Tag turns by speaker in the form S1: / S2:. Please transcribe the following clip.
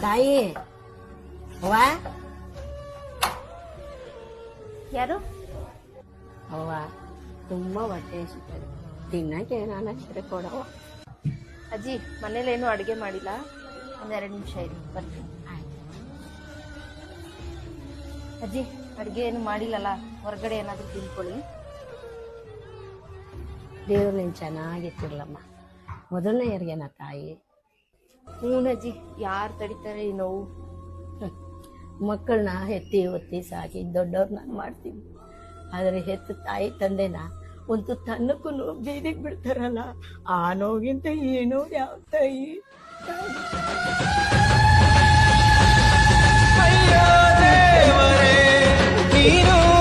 S1: ತಾಯಿ ಅವ್ವ
S2: ಯಾರು?
S1: ಅವ್ವ ತುಂಬಾ ಹೊಟ್ಟೆ ಹಸಿತದೆ, ತಿನ್ನಕ್ಕೆ ಏನಾನ ಇದ್ರೆ ಕೊಡವ.
S2: ಅಜ್ಜಿ ಮನೇಲೇನು ಅಡುಗೆ ಮಾಡಿಲ್ಲ, ಒಂದೆರಡು ನಿಮಿಷ ಇರಿ ಬರ್ತೀನಿ. ಅಜ್ಜಿ ಅಡುಗೆ ಏನು ಮಾಡಿಲ್ಲಲ್ಲ, ಹೊರಗಡೆ ಏನಾದರೂ ತಿನ್ಕೊಳ್ಳಿ.
S1: ದೇವ್ರು ನೀನು ಚೆನ್ನಾಗಿತ್ತಿರ್ಲಮ್ಮ, ಮೊದಲನೇ ಯಾರಿಗೇನ ತಾಯಿ?
S2: ಅಜ್ಜಿ ಯಾರು ತಡಿತಾರೆ ಈ ನೋವು?
S1: ಮಕ್ಕಳನ್ನ ಎತ್ತಿ ಒತ್ತಿ ಸಾಕಿ ದೊಡ್ಡವ್ರನ್ನ ಮಾಡ್ತೀವಿ, ಆದರೆ ಹೆತ್ತು ತಾಯಿ ತಂದೆನ ಒಂದು ತನ್ನಕ್ಕೂ ಬೀದಿಗೆ ಬಿಡ್ತಾರಲ್ಲ, ಆ ನೋವಿಗಿಂತ ಈ ನೋವು ಯಾವ ತಾಯಿ?
S3: ಅಯ್ಯೋ ದೇವರೇ ನೀನು